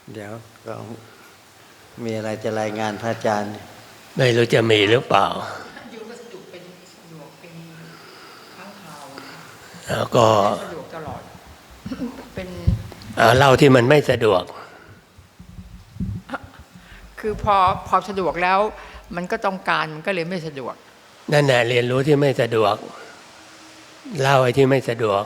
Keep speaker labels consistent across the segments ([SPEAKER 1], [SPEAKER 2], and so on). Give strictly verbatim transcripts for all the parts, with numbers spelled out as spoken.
[SPEAKER 1] เดี๋ยวก็มีอะไรจะรายงานพระอาจารย์
[SPEAKER 2] ไม่รู้จะมีหรือเปล่า
[SPEAKER 3] อยู่ก็สะดวกเป็นสะดวกเป็นครั้งคราว
[SPEAKER 2] แล้วก็
[SPEAKER 3] สะดวกตลอดเป็น
[SPEAKER 2] เล่าที่มันไม่สะดวก
[SPEAKER 3] คือพอพอสะดวกแล้วมันก็ต้องการมันก็เลยไม่สะดวก
[SPEAKER 2] นั่นแหละเรียนรู้ที่ไม่สะดวกเล่าไอ้ที่ไม่สะดวก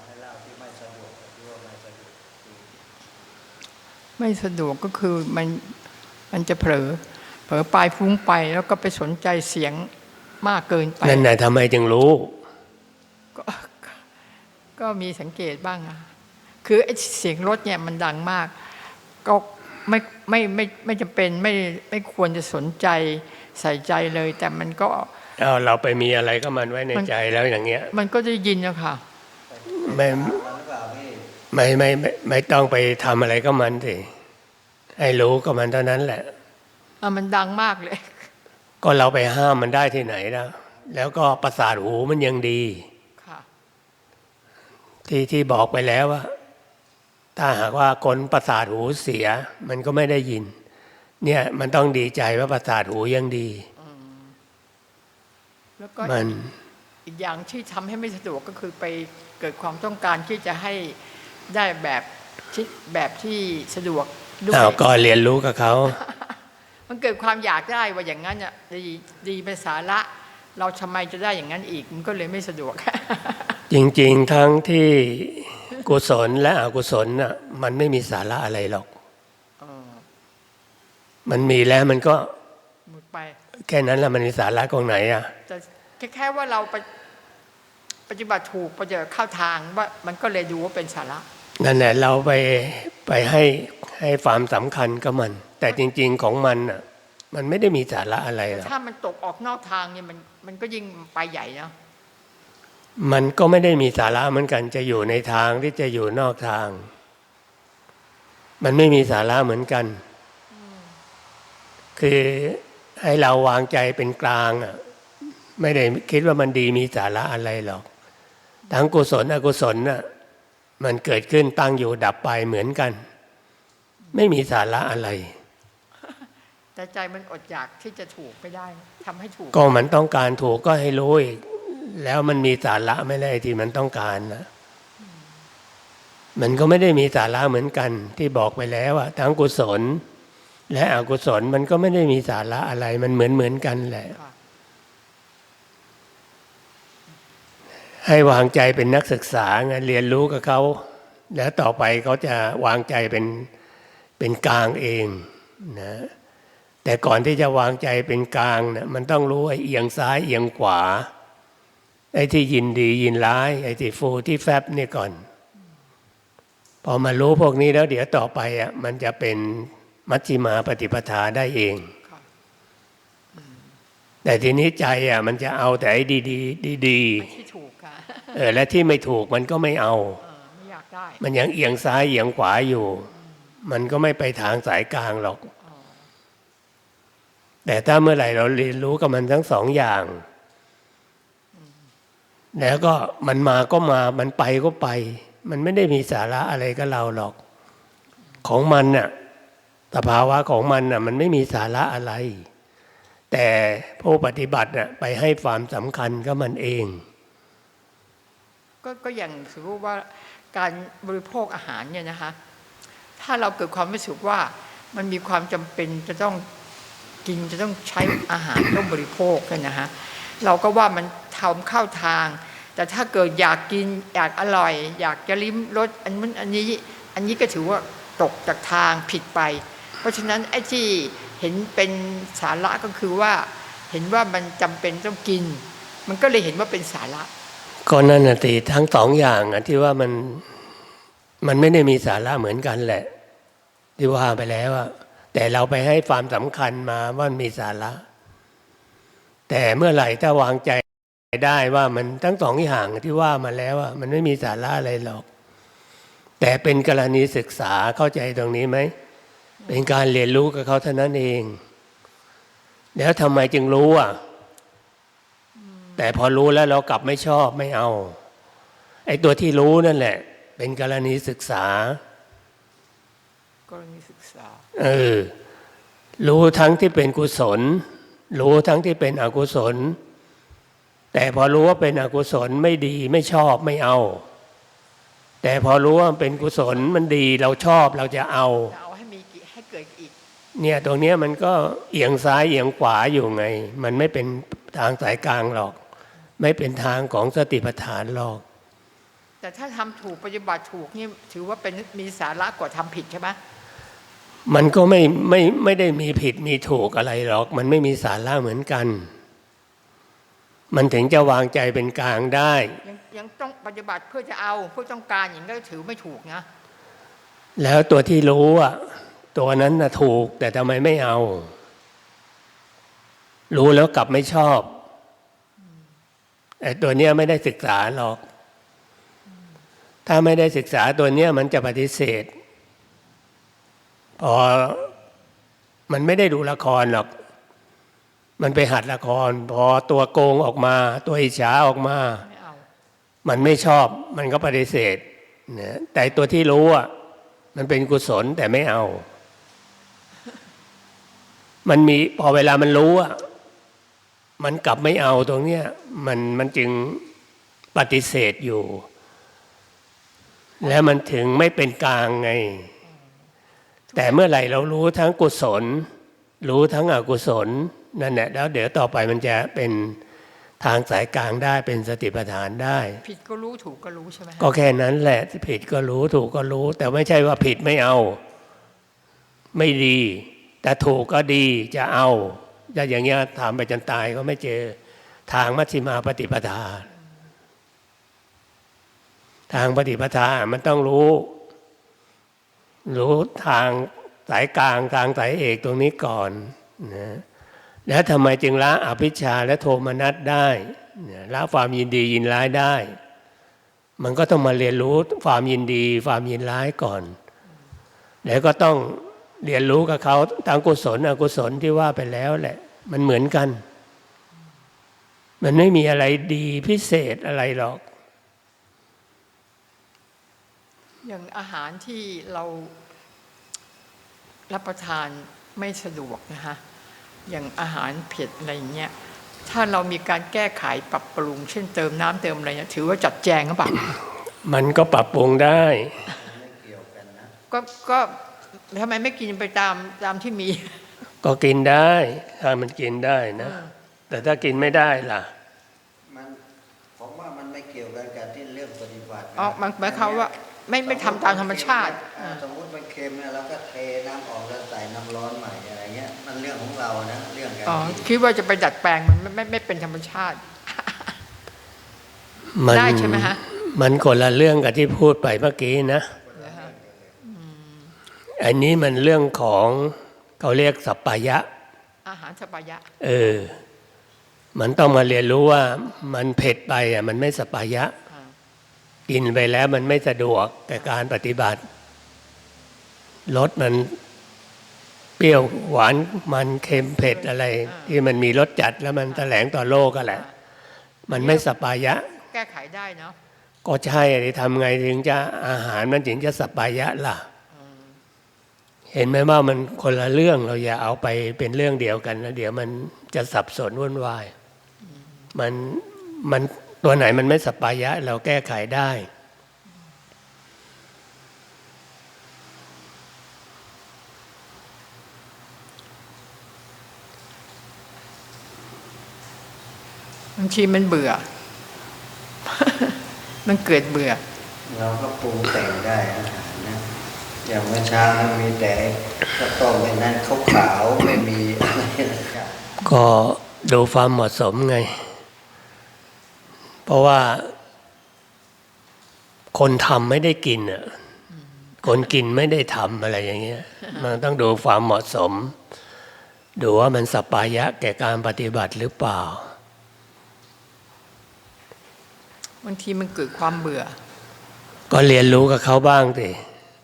[SPEAKER 3] ไม่สะดวกก็คือมันมันจะเผลอเผลอไปฟุ้งไปแล้วก็ไปสนใจเสียงมากเกินไป
[SPEAKER 2] นั่นแหละทำไมจึงรู้
[SPEAKER 3] ก็ก็มีสังเกตบ้างอะคือไอ้เสียงรถเนี่ยมันดังมากก็ไม่ไม่ไม่ไม่จำเป็นไม่ไม่ควรจะสนใจใส่ใจเลยแต่มันก็
[SPEAKER 2] เอาเราไปมีอะไรก็มันไว้ในใจแล้วอย่างเงี้ย
[SPEAKER 3] มันก็ได้ยินนะค่ะ
[SPEAKER 2] ไม่ไม่ไม่ไม่ไม่ต้องไปทำอะไรก็มันสิให้รู้ก็มันเท่านั้นแหละ
[SPEAKER 3] อ่ะมันดังมากเลย
[SPEAKER 2] ก็เราไปห้ามมันได้ที่ไหนนะแล้วก็ประสาทหูมันยังดี
[SPEAKER 3] ค่ะ
[SPEAKER 2] ที่ที่บอกไปแล้วว่าถ้าหากว่าคนประสาทหูเสียมันก็ไม่ได้ยินเนี่ยมันต้องดีใจว่าประสาทหูยังดี
[SPEAKER 3] แล้วก็มันอีกอย่างที่ทำให้ไม่สะดวกก็คือไปเกิดความต้องการที่จะให้ได้แบบที่แบบที่สะดวก
[SPEAKER 2] ด้วยอ้าวก็เรียนรู้กับเขา
[SPEAKER 3] มันเกิดความอยากได้ว่าอย่างนั้นอ่ะดีดีเป็นสาระเราทำไมจะได้อย่างนั้นอีกมันก็เลยไม่สะดวก
[SPEAKER 2] จริงๆทั้งที่กุศลและอกุศลน่ะมันไม่มีสาระอะไรหรอกมันมีแล้วมันก็
[SPEAKER 3] หมดไป
[SPEAKER 2] แค่นั้นแหละมันมีสาระตรงไหนอ่ะ
[SPEAKER 3] แต่แค่ว่าเราไปปฏิบัติถูกปฏิบัติเข้าทางว่ามันก็เลยดูว่าเป็นสาระ
[SPEAKER 2] นั่นแหละเราไปไปให้ให้ความสำคัญกับมันแต่จริงๆของมันอ่ะมันไม่ได้มีสาระอะไรหรอก
[SPEAKER 3] ถ้ามันตกออกนอกทางเนี่ยมันมันก็ยิ่งไปใหญ่เนาะ
[SPEAKER 2] มันก็ไม่ได้มีสาระเหมือนกันจะอยู่ในทางที่จะอยู่นอกทางมันไม่มีสาระเหมือนกันคือให้เราวางใจเป็นกลางอ่ะไม่ได้คิดว่ามันดีมีสาระอะไรหรอกทั้งกุศลอกุศลน่ะมันเกิดขึ้นตั้งอยู่ดับไปเหมือนกันไม่มีสาระอะไร
[SPEAKER 3] แต่ใจมันอดอยากที่จะถูกไม่ได้ทำให้ถูก
[SPEAKER 2] ก็มันต้องการถูกก็ให้รู้อีกแล้วมันมีสาระไม่ได้ที่มันต้องการนะมันก็ไม่ได้มีสาระเหมือนกันที่บอกไปแล้วอะทั้งกุศลและอกุศลมันก็ไม่ได้มีสาระอะไรมันเหมือนเหมือนกันแหละให้วางใจเป็นนักศึกษาไงเรียนรู้กับเขาแล้วต่อไปเขาจะวางใจเป็นเป็นกลางเองนะแต่ก่อนที่จะวางใจเป็นกลางนะมันต้องรู้ไอ้เอียงซ้ายเอียงขวาไอ้ที่ยินดียินร้ายไอ้ที่ฟูที่แฟบนี่ก่อนพอมารู้พวกนี้แล้วเดี๋ยวต่อไปอ่ะมันจะเป็นมัชฌิมาปฏิปทาได้เองแต่ทีนี้ใจอ่ะมันจะเอาแต่ไอ้ดีดีดีดี
[SPEAKER 3] ที่ถูกค่ะ
[SPEAKER 2] เออและที่ไม่ถูกมันก็ไม่เอา
[SPEAKER 3] ไม่อยากได้
[SPEAKER 2] มันยังเอียงซ้ายเอียงขวาอยู่มันก็ไม่ไปทางสายกลางหรอกแต่ถ้าเมื่อไหร่เราเรียนรู้กับมันทั้งสองอย่างแล้วก็มันมาก็มามันไปก็ไปมันไม่ได้มีสาระอะไรกับเราหรอกของมันน่ะสภาวะของมันน่ะมันไม่มีสาระอะไรแต่ผู้ปฏิบัติน่ะไปให้ความสำคัญกับมันเอง
[SPEAKER 3] ก็ก็อย่างสมมติว่าการบริโภคอาหารเนี่ยนะคะถ้าเราเกิดความรู้สึกว่ามันมีความจำเป็นจะต้องกินจะต้องใช้อาหารต้องบริโภคกันนะฮะเราก็ว่ามันทำเข้าทางแต่ถ้าเกิดอยากกินอยากอร่อยอยากจะลิ้มรสอันนั้นอันนี้อันนี้ก็ถือว่าตกจากทางผิดไปเพราะฉะนั้นไอ้ที่เห็นเป็นสาระก็คือว่าเห็นว่ามันจำเป็นต้องกินมันก็เลยเห็นว่าเป็นสาระ
[SPEAKER 2] ก็นั่นน่ะสิทั้งสองอย่างอ่ะที่ว่ามันมันไม่ได้มีสาระเหมือนกันแหละที่ว่าไปแล้วอ่ะแต่เราไปให้ความสำคัญมาว่ามีสาระแต่เมื่อไหร่ถ้าวางใจได้ว่ามันทั้งสองอย่างที่ว่ามาแล้วอ่ะมันไม่มีสาระอะไรหรอกแต่เป็นกรณีศึกษาเข้าใจตรงนี้ไหมเป็นการเรียนรู้กับเขาเท่านั้นเองแล้วทำไมจึงรู้อ่ะแต่พอรู้แล้วเรากลับไม่ชอบไม่เอาไอ้ตัวที่รู้นั่นแหละเป็นกรณีศึกษา
[SPEAKER 3] กรณีศึกษา
[SPEAKER 2] เออรู้ทั้งที่เป็นกุศล รู้ทั้งที่เป็นอกุศล แต่พอรู้ว่าเป็นอกุศลไม่ดีไม่ชอบไม่เอา แต่พอรู้ว่ามันเป็นกุศลมันดีเราชอบเราจะเอา
[SPEAKER 3] จะเอาให้มีกี่ให้เกิดอีก
[SPEAKER 2] เนี่ยตรงเนี้ยมันก็เอียงซ้ายเอียงขวาอยู่ไง มันไม่เป็นทางสายกลางหรอก ไม่เป็นทางของสติปัฏฐานหรอก
[SPEAKER 3] แต่ถ้าทำถูกปฏิบัติถูกนี่ถือว่าเป็นมีสาระกว่าทำผิดใช่ไหม
[SPEAKER 2] มันก็ไม่ไม่ไม่ได้มีผิดมีถูกอะไรหรอก มันไม่มีสาระเหมือนกัน มันถึงจะวางใจเป็นกลางได้
[SPEAKER 3] ยังยังต้องปฏิบัติเพื่อจะเอาเพื่อต้องการอย่างนี้ก็ถือไม่ถูกนะ
[SPEAKER 2] แล้วตัวที่รู้อ่ะตัวนั้นน่ะถูกแต่ทำไมไม่เอา รู้แล้วกลับไม่ชอบไอ้ตัวเนี้ยไม่ได้ศึกษาหรอก ถ้าไม่ได้ศึกษาตัวเนี้ยมันจะปฏิเสธพอมันไม่ได้ดูละครหรอก มันไปหัดละคร พอตัวโกงออกมา ตัวอิจฉาออกมา
[SPEAKER 3] ไม่เอา
[SPEAKER 2] มันไม่ชอบ มันก็ปฏิเสธนะแต่ตัวที่รู้อ่ะมันเป็นกุศลแต่ไม่เอา มันมีพอเวลามันรู้อ่ะมันกลับไม่เอาตรงเนี้ยมันมันจึงปฏิเสธอยู่ แล้วมันถึงไม่เป็นกลางไง แต่เมื่อไหร่เรารู้ทั้งกุศล รู้ทั้งอกุศลนั่นแหละแล้วเดี๋ยวต่อไปมันจะเป็นทางสายกลางได้เป็นสติปัฏฐานได้
[SPEAKER 3] ผิดก็รู้ถูกก็รู้ใช่ไหม
[SPEAKER 2] ก็แค่นั้นแหละผิดก็รู้ถูกก็รู้ แต่ไม่ใช่ว่าผิดไม่เอา ไม่ดี แต่ถูกก็ดีจะเอาจะอย่างเงี้ยถามไปจนตายก็ไม่เจอทางมัชฌิมาปฏิปทา ทางปฏิปทามันต้องรู้ รู้ทางสายกลางทางสายเอกตรงนี้ก่อนนะแล้วทำไมจึงละอภิชฌาและโทมนัสได้ละความยินดียินร้ายได้ มันก็ต้องมาเรียนรู้ความยินดีความยินร้ายก่อน แล้วก็ต้องเรียนรู้กับเขาทั้งกุศลอกุศลที่ว่าไปแล้วแหละมันเหมือนกัน มันไม่มีอะไรดีพิเศษอะไรหรอก
[SPEAKER 3] อย่างอาหารที่เรารับประทานไม่สะดวกนะคะอย่างอาหารเผ็ดอะไรอย่างเงี้ยถ้าเรามีการแก้ไขปรับปรุงเช่นเติมน้ำเติมอะไรเนี่ยถือว่าจัดแจงหรือเปล่า
[SPEAKER 2] มันก็ปรับปรุงได้
[SPEAKER 3] ก็ก็ทำไมไม่กินไปตามตามที่มี
[SPEAKER 2] ก็กินได้ถ้ามันกินได้นะ แต่ถ้ากินไม่ได้ล่ะ
[SPEAKER 1] มันผมว่ามันไม่เกี่ยวกันกับที่เรื่องปฏิบัตินะ
[SPEAKER 3] อ๋อมันหมายความว่าไม่ไม่ทำตามธรรมชาติ
[SPEAKER 1] อ่สมมติมันเค็มเนี่ยเราก็เทน้ำออกแล้วใส่น้ำร้อนใหม่อะไรเงี้ยมันเรื่องของเรานะเรื่องการ
[SPEAKER 3] อ๋อ
[SPEAKER 1] กิน
[SPEAKER 3] คิดว่าจะไปดัดแปลงมันไม่ไม่ไม่เป็นธรรมชาติ
[SPEAKER 2] มัน
[SPEAKER 3] ได้ใช่ไหมฮะ
[SPEAKER 2] มันคนละเรื่องกับที่พูดไปเมื่อกี้นะ
[SPEAKER 3] นะฮะ
[SPEAKER 2] อันนี้มันเรื่องของเขาเรียกสัปปายะ
[SPEAKER 3] อาหารสปายะ
[SPEAKER 2] เออ มันต้องมาเรียนรู้ว่ามันเผ็ดไปอ่ะมันไม่สัปปายะ
[SPEAKER 3] อ่า
[SPEAKER 2] กินไปแล้วมันไม่สะดวกแก่การปฏิบัติรสมันเปรี้ยวหวานมันเค็มเผ็ดอะไร ที่มันมีรสจัดแล้วมันแถลงต่อโลกก็แหละ มันไม่สัปปายะ
[SPEAKER 3] แก้ไขได้เนาะ
[SPEAKER 2] ก็ใช่ดิทำไงถึงจะอาหารมันถึงจะสัปปายะล่ะ เห็นไหมว่ามันคนละเรื่องเราอย่าเอาไปเป็นเรื่องเดียวกันนะเดี๋ยวมันจะสับสนวุ่นวายมันมันตัวไหนมันไม่สัปปายะ เราแก้ไขได้
[SPEAKER 3] บางทีมันเบื่อ มันเกิดเบื่อ
[SPEAKER 1] เราก็ปรุงแต่งได้อาหารนะอย่างเมื่อเช้ามีแต่ข้าวต้มในนั้นขาวๆไม่มีอะไรนะครับ
[SPEAKER 2] ก็ดูความเหมาะสมไง เพราะว่าคนทำไม่ได้กินอ่ะคนกินไม่ได้ทำอะไรอย่างเงี้ย มันต้องดูความเหมาะสม ดูว่ามันสัปปายะแก่การปฏิบัติหรือเปล่า
[SPEAKER 3] บางทีมันเกิดความเบื่อ
[SPEAKER 2] ก็เรียนรู้กับเขาบ้างสิ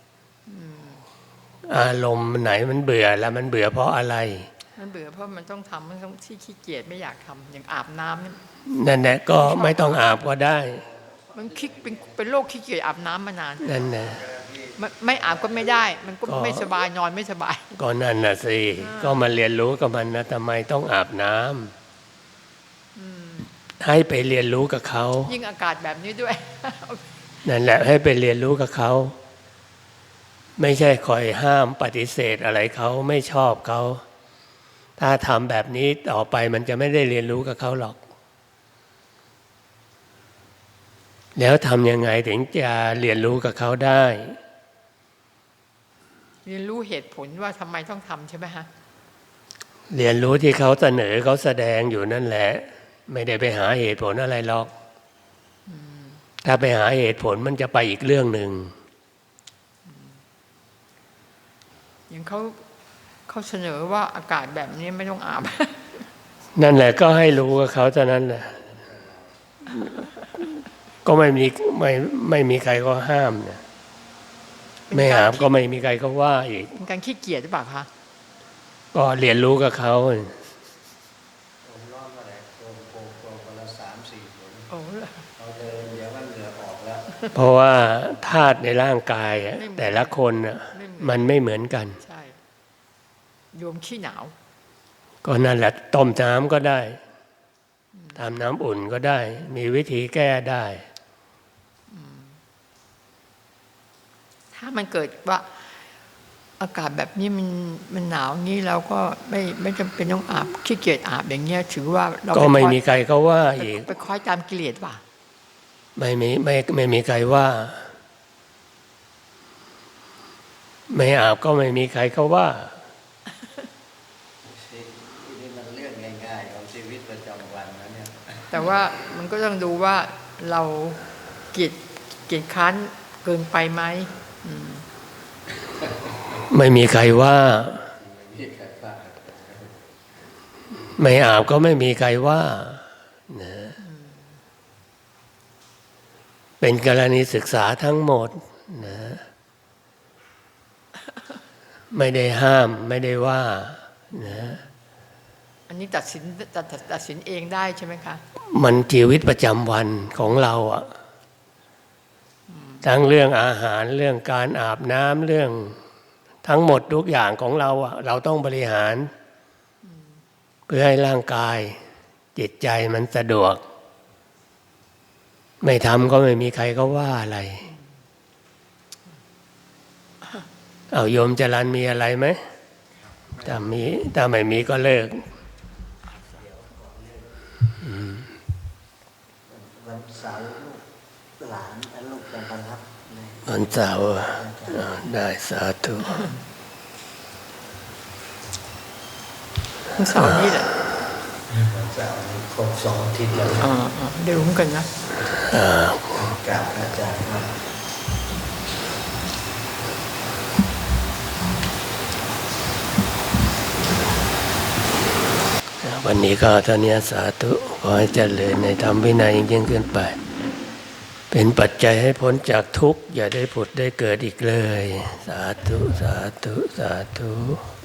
[SPEAKER 2] อารมณ์ไหนมันเบื่อแล้วมันเบื่อเพราะอะไร
[SPEAKER 3] มันเบื่อเพราะมันต้องทำมันต้องที่ขี้เกียจไม่อยากทำอย่างอาบน้ำเนี่ย
[SPEAKER 2] นั่นแหละก็ไม่ต้องอาบก็ได้
[SPEAKER 3] มันคิดเป็นเป็นโรคขี้เกียจอาบน้ำมานาน
[SPEAKER 2] นั่นแหละ
[SPEAKER 1] ที่
[SPEAKER 3] ไม่ไม่อาบก็ไม่ได้ มันก็ไม่สบายนอนไม่สบาย
[SPEAKER 2] ก็นั่นน่ะสิก็มาเรียนรู้กับมันนะทำไมต้องอาบน้ำให้ไปเรียนรู้กับเขา
[SPEAKER 3] ยิ่งอากาศแบบนี้ด้วย
[SPEAKER 2] นั่นแหละให้ไปเรียนรู้กับเขาไม่ใช่คอยห้ามปฏิเสธอะไรเขาไม่ชอบเขาถ้าทำแบบนี้ต่อไปมันจะไม่ได้เรียนรู้กับเขาหรอกแล้วทำยังไงถึงจะเรียนรู้กับเขาได้
[SPEAKER 3] เรียนรู้เหตุผลว่าทำไมต้องทำใช่ไหมฮะ
[SPEAKER 2] เรียนรู้ที่เขาเสนอเขาแสดงอยู่นั่นแหละไม่ได้ไปหาเหตุผลอะไรหรอกถ้าไปหาเหตุผลมันจะไปอีกเรื่องหนึ่ง
[SPEAKER 3] อย่างเขาเขาเสนอว่าอากาศแบบนี้ไม่ต้องอาบ
[SPEAKER 2] นั่นแหละก็ให้รู้กับเขาเท่านั้นแหละก็ไม่มีไม่ไม่มีใครก็ห้ามนะไม่อาบก็ไม่มีใครก็ว่าอีก
[SPEAKER 3] เป็นการขี้เกียจหรือเปล่าคะ
[SPEAKER 2] ก็เรียนรู้กับเขา
[SPEAKER 1] ผมร้อนมาแหละโกงโกงโกงคนละสามสี่ผล
[SPEAKER 3] โอ้
[SPEAKER 1] เราเดินเดี๋ยวมันเหงื่อออกแล้ว
[SPEAKER 2] เพราะว่าธาตุในร่างกายแต่ละคนมันไม่เหมือนกัน
[SPEAKER 3] ใช่โยมขี้หนาว
[SPEAKER 2] ก็นั่นแหละต้มน้ำก็ได้ทำน้ำอุ่นก็ได้มีวิธีแก้ได้
[SPEAKER 3] ถ้ามันเกิดว่าอากาศแบบนี้มันมันหนาวงี้เราก็ไม่ไม่จำเป็นต้องอาบขี้เกียจอาบอย่างเงี้ยถือว่าเรา
[SPEAKER 2] ก็ไม่มีใครเขาว่าอีก
[SPEAKER 3] ไปคอยตามกิเลสป่ะ
[SPEAKER 2] ไม่มีไม่ไม่มีใครว่าไม่อาบก็ไม่มีใครเขาว่า
[SPEAKER 1] นี่มันเรื่องง่ายๆของชีวิตประจำวันนะเนี่ย
[SPEAKER 3] แต่ว่ามันก็ต้องดูว่าเราเกียจเกียจค้านเกินไปไหม
[SPEAKER 2] ไม่มีใครว่าไม่อาบก็ไม่มีใครว่านะเป็นกรณีศึกษาทั้งหมดนะไม่ได้ห้ามไม่ได้ว่านะ
[SPEAKER 3] อันนี้ตัดสินตัดตัดสินเองได้ใช่ไหมคะ
[SPEAKER 2] มันชีวิตประจำวันของเราอะทั้งเรื่องอาหารเรื่องการอาบน้ำเรื่องทั้งหมดทุกอย่างของเราอะเราต้องบริหารเพื่อให้ร่างกายจิตใจมันสะดวกไม่ทำก็ไม่มีใครก็ว่าอะไรเอาโยมจรัญมีอะไรไหมถ้ามีถ้าไม่มีก็เลิก
[SPEAKER 1] วันเสาร์ลูกหลานลูกจะมารับ
[SPEAKER 2] วันเสาร์ได้สาธุ
[SPEAKER 3] วันเสาร์นี่แหละ
[SPEAKER 1] วันเสาร์นี้ครบสองอาทิตย์แล้ว
[SPEAKER 3] เดี๋ยวรู้กันนะ
[SPEAKER 1] กราบอาจารย์ครับ
[SPEAKER 2] วันนี้ก็เท่านี้สาธุขอให้เจริญในธรรมวินัยยิ่งขึ้นไปเป็นปัจจัยให้พ้นจากทุกข์อย่าได้ผุดได้เกิดอีกเลยสาธุสาธุสาธุ